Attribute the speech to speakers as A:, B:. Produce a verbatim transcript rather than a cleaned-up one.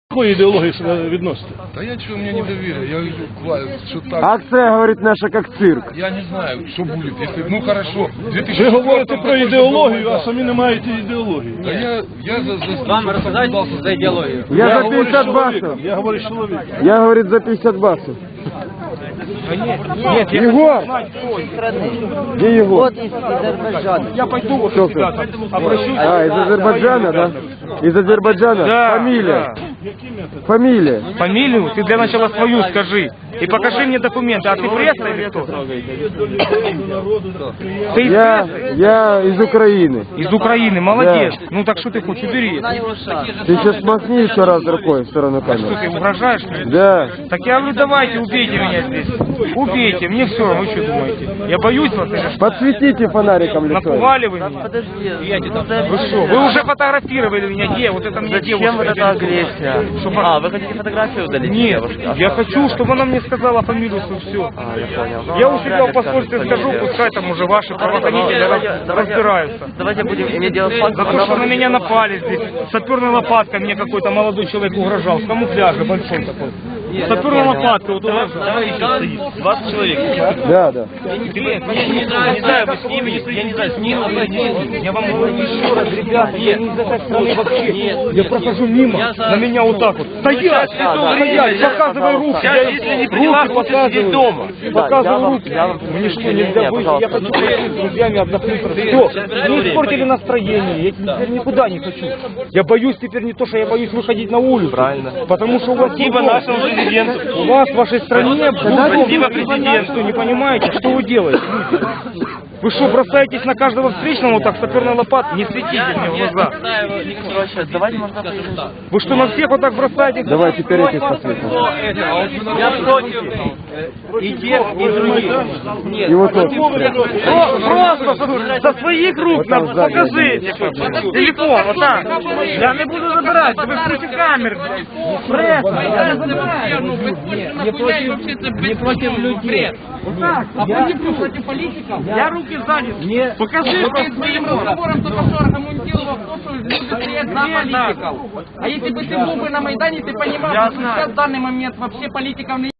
A: Какої ідеології себе відносите?
B: Да я что, у меня недоверие, я вижу, что так.
C: Акция, говорит, наша как цирк.
B: Я не знаю, что будет, если, ну хорошо, две тысячи
A: Ви говорите про ідеологію,
B: было.
A: а самі не маєте ідеології.
B: Да я, я за, за...
D: Вам рассказать за идеологию?
C: Я за
A: говорю
C: пятьдесят
A: чоловік,
C: баксов.
A: Я говорю чоловік.
C: Я, говорит, за пятьдесят баксов.
D: Нет, я
C: Егор! Где Егор?
D: вот из Азербайджана.
A: Я пойду вот
C: Кто
A: сюда,
C: ты?
A: обращусь.
C: А, из Азербайджана, да? Из Азербайджана?
E: Да,
C: Фамилия? Фамилия?
E: Фамилию ты для начала свою скажи. И покажи мне документы. А ты пресса или кто? Ты из
C: Я,
E: прессы?
C: я из Украины.
E: Из Украины, молодец. Ну так что ты хочешь, убери.
C: Ты сейчас махни еще раз рукой в сторону
E: Что
C: камеры.
E: ты угрожаешь мне?
C: Да.
E: Так я говорю, давайте, убейте меня здесь. Убейте, мне все, вы что думаете? Я боюсь вас или что?
C: Подсветите фонариком лицо.
E: Напугали вы меня?
D: Подожди,
E: Вы что? Вы уже фотографировали меня, где? Вот это мне девушка.
D: зачем вот эта агрессия?
E: Чтобы-
D: А, вы хотите фотографию удалить?
E: Нет,
D: девушки? А
E: я
D: что?
E: хочу, чтобы она мне сказала фамилию свою, все.
D: А, я понял. Ну,
E: Я
D: она
E: у себя
D: вряд
E: в
D: ли
E: посольстве
D: скажет
E: скажу,
D: фамилию.
E: пускай там уже ваши правоохранители
D: Давайте-
E: раз-
D: давайте-
E: разбираются.
D: Давайте будем иметь дело с фактом.
E: За то, что на меня напали здесь. Саперной лопаткой мне какой-то молодой человек угрожал. В камуфляже большой такой. Саперной лопаткой вот угрожал.
D: двадцать человек.
C: Да, да.
E: Не знаю, вы с ними, я не знаю, с ним обойдитесь. Я вам говорю еще раз, ребята, я не из этой страны вообще. Я прохожу мимо, на меня вот так вот. Стоять, стоять, показывай руки. Я руки показываю. дома. Показываю руки. Мне что, нельзя выйти? Я хочу пойти с друзьями отдохнуть. Все, не испортили настроение. Я теперь никуда не хочу. Я боюсь теперь не то, что я боюсь выходить на улицу. Правильно. Потому что у вас Спасибо нашему президенту. У вас в вашей стране Спасибо президенту. Не понимаете, что вы делаете? Вы что, бросаетесь на каждого встречного вот так саперной лопатой? Не светите мне в глаза.
D: Короче, давайте можно поговорить.
E: Вы что, на всех вот так бросаетесь?
C: Давай теперь этих посветим.
D: Я против и тех, и других. Нет,
C: И вот тот.
E: Просто со своих рук
C: Вот там
E: нам
C: сзади.
E: покажите. Телефон, вот так. Я не буду забирать, вы против камер. Пресса, я не забираю.
F: Не против, не против людей. Вот так. А против, против политиков?
E: Я руки сзади. Покажи.
F: Ты своим разговором только что аргументировал то, что люди стоят за политиков. А если бы ты был бы на Майдане, ты понимал,
E: Я
F: что
E: знаю.
F: сейчас в данный момент вообще политиков не